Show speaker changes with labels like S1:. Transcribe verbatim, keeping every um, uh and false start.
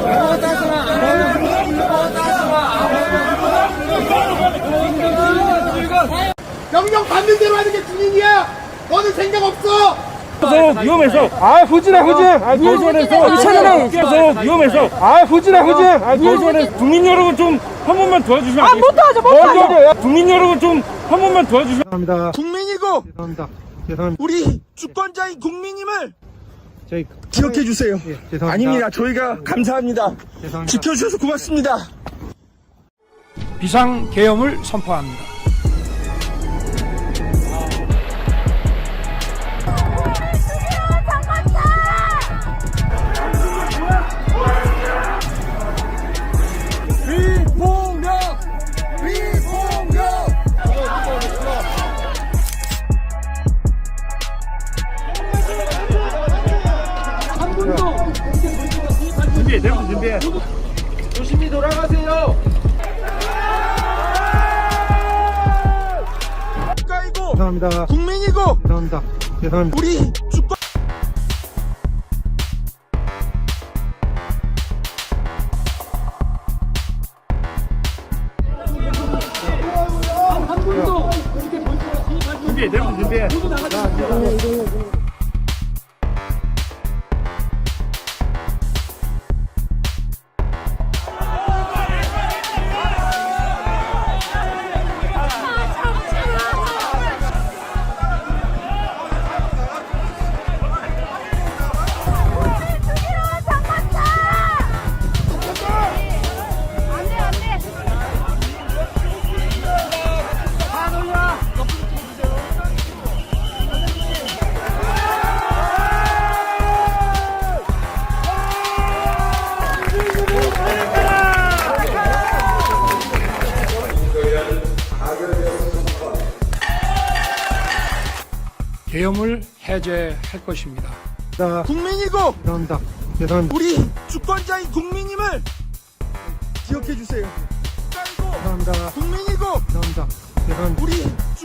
S1: 명령 받는 대로 하는 게 군인이야. 너는 생각 없어.
S2: 그래서 위험해서 아 후진아 후진 아 도전해서 이천원에 그래서 위험해서 아 후진아 후진 아 도전해서 국민 여러분 좀 한 번만 도와주시면 안 되겠습니까?
S3: 못하죠, 못하죠.
S2: 국민 여러분 좀 한 번만 도와주시면
S1: 죄송합니다.
S4: 국민이고
S1: 죄송합니다. 죄송합니다.
S4: 우리 주권자인 국민임을
S1: 저희
S4: 기억해 주세요.
S1: 예, 죄송합니다.
S4: 아닙니다. 저희가 감사합니다.
S1: 죄송합니다.
S4: 지켜주셔서 고맙습니다.
S5: 비상 계엄을 선포합니다.
S4: 위폭력! 위폭력!
S2: 준비해 대부분 준비해
S4: 조심히 돌아가세요. 국가이고
S1: 죄송합니다.
S4: 국민이고
S1: 죄송합니다. 죄송합니다.
S4: 우리 주권
S2: 준비해 대부분 준비해
S5: 계엄을 해제할 것입니다.
S4: 국민이고
S1: 죄송합니다. 죄송합니다.
S4: 우리 주권자인 국민임을 기억해 주세요. 국가이고
S1: 죄송합니다.
S4: 국민이고
S1: 죄송합니다. 죄송합니다.
S4: 우리